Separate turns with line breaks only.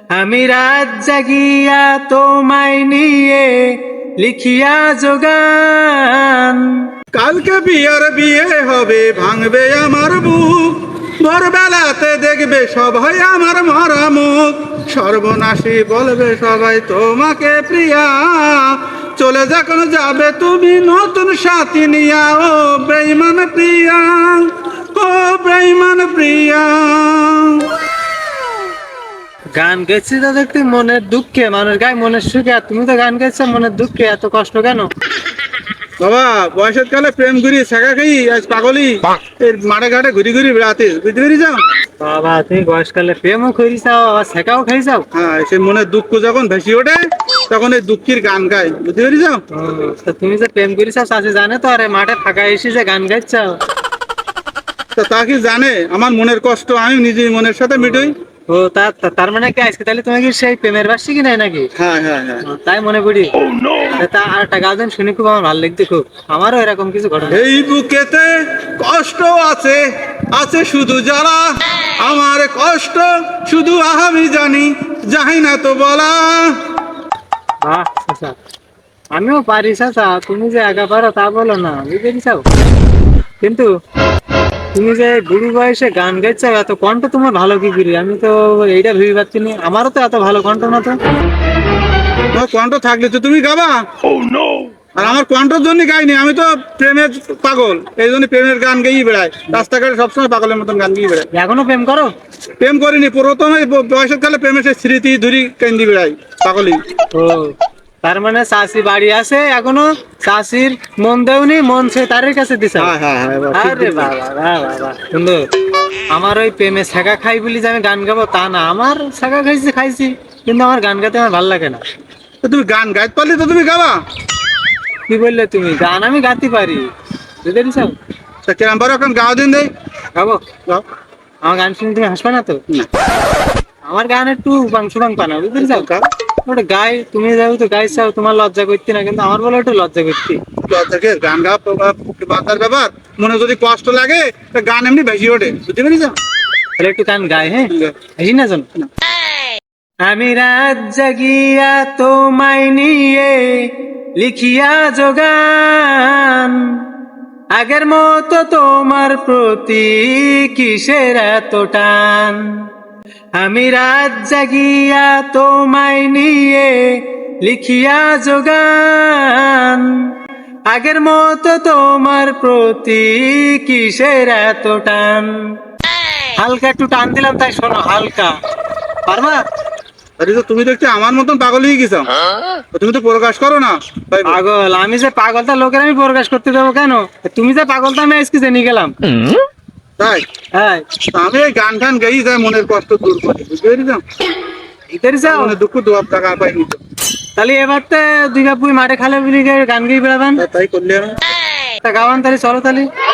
আমি রাত জাগিয়া তোমায় নিয়ে লিখিয়া যোগান।
কালকে বিয়ে হবে, ভাঙবে আমার বুক, ভোরবেলাতে দেখবে সবাই আমার মরা মুখ, সর্বনাশী বলবে সবাই তোমাকে প্রিয়া, চলে যখন যাবে তুমি নতুন সাথী নিয়া, ও বেঈমান প্রিয়া, ও বেঈমান প্রিয়া।
গান গেছি তো দেখতে মনের দুঃখে, মানুষ গায়ে মনের সুখে, আর তুমি তো গান গেছো মনের দুঃখে, এত কষ্ট কেন?
বাবা বয়সের কালে প্রেম ঘুরি শেখা খাই, আজ পাগলি এই মাঠে ঘাটে ঘুরি ঘুরি বেড়াতে, বুঝতে পেরে যাও।
বাবা তুমি বয়সকালে প্রেমও করিসাও আবার শেখাও খাইছাও।
হ্যাঁ, সে মনে দুঃখ যখন ভেসে ওঠে তখন এই দুঃখের গান গায়, বুঝতে পেরে যাও।
তো তুমি যে প্রেম করিসাও চাষি জানে তো, আরে মাঠে ফাঁকা এসে যে গান গাইছাও।
তা কি জানে আমার মনের কষ্ট আমি নিজেই মনের সাথে মিটই।
ও তার মানে কি আজকে তাহলে তুমি কি সেই প্রেমের বাসী কি নাই নাকি?
হ্যাঁ হ্যাঁ হ্যাঁ।
তাই মনে করি। তা আর একটা গান শুনে খুব আমার ভালো লাগছে খুব, আমারও এরকম কিছু ঘটনা।
এই বুকেতে কষ্ট আছে, আছে শুধু যারা, আমার কষ্ট শুধু আমি জানি, জানি না তো বলা।
বাহ চাচা, আমিও পারি চাচা, তুমি যে একা পারো তা বলো না, বুঝতে চাও। কিন্তু তুমি যে বুড়ো বয়সে গান গাইছো, এত কণ্ঠ তোমার ভালো কি করি, আমি তো এইটা ভেবে পাচ্ছি না, আমারও তো এত ভালো কণ্ঠ না তো।
তোমার কণ্ঠ থাকলে তো তুমি গাবা। আর আমার কণ্ঠর জন্য গাইনি, আমি তো প্রেমের পাগল, এই জন্য প্রেমের গান গেয়ে বেড়াই, রাস্তাঘাটে সবসময় পাগলের মতন গান গেয়ে বেড়াই।
এখনো প্রেম করো?
প্রেম করিনি, প্রথমে বয়সের কালে প্রেমের সেই স্মৃতি ধরি কেন্দ্রি বেড়াই পাগলি।
ও তার মানে চাষি বাড়ি আছে এখনো, চাষির মন দেওনি, মন সে তারের কাছে দিছে।
হ্যাঁ হ্যাঁ হ্যাঁ, এবার ঠিক
আরে
বলেছো।
বাবা বাহ বাবা সুন্দর। আমার ওই প্রেমে শেখা খাই বলি যে আমি গান গাবো তা না, আমার শেখা খাইছি, কিন্তু আমার গান গাইতে আমার ভালো লাগে না।
তো তুমি গান গাইতে পারলে তো তুমি গাবা।
কি বললে তুমি? গান আমি গাইতে পারি, বুঝতে পেরেছো?
তা কেরাম পারো এখন গাও দিন দেই।
গাবো?
গাও।
আমার গান শুনে তুমি হাসবে না তো?
না।
আমার গান একটু বাংশু বাং পানা, বুঝতে পেরেছো?
গাও।
ওটা গাই, তুমি যাও তো গাইছাও, তোমার লজ্জা করতে না, কিন্তু আমার বলে একটু লজ্জা করতে।
থেকে গান গাওয়া বাচ্চার ব্যাপার, মনে যদি কষ্ট লাগে তা গান এমনি ভেসে ওঠে, বুঝতে পেরেছ।
তাহলে একটু গান গাই, হ্যাঁ হাসি না জন। আমি রাত জাগিয়া তোমায় নিয়ে লিখিয়া যোগান, আগের মতো তোমার প্রতি কিসের এত টান। আমি রাত জাগিয়া তোমায় নিয়ে লিখিয়া যোগান, আগের মতো তোমার প্রতি কিসের এত টান। হালকা একটু টান দিলাম, তাই শোনো হালকা, পারবা?
আরে তো তুমি দেখতে আমার মতন পাগল হয়ে গেছো, তুমি তো প্রকাশ করো না তাই বল।
পাগল আমি যে পাগলটা লোকের আমি প্রকাশ করতে দেবো কেন? তুমি যে পাগলটা আমি আজকে জেনে গেলাম।
তাই
হ্যাঁ
তা আমি এই গান টান গাই যায় মনের কষ্ট দূর করি, বুঝতে পেরেছ।
ইতারি যাও।
মনে দুঃখ দোয়াব টাকা পাইনি তো,
তাহলে এবার তো দুই বাপুই মাঠে খালে বিলি গান গিয়ে বেড়াবেন,
তাই করলে আমি।
তা গাওয়ান তাহলে, চলো তাহলে।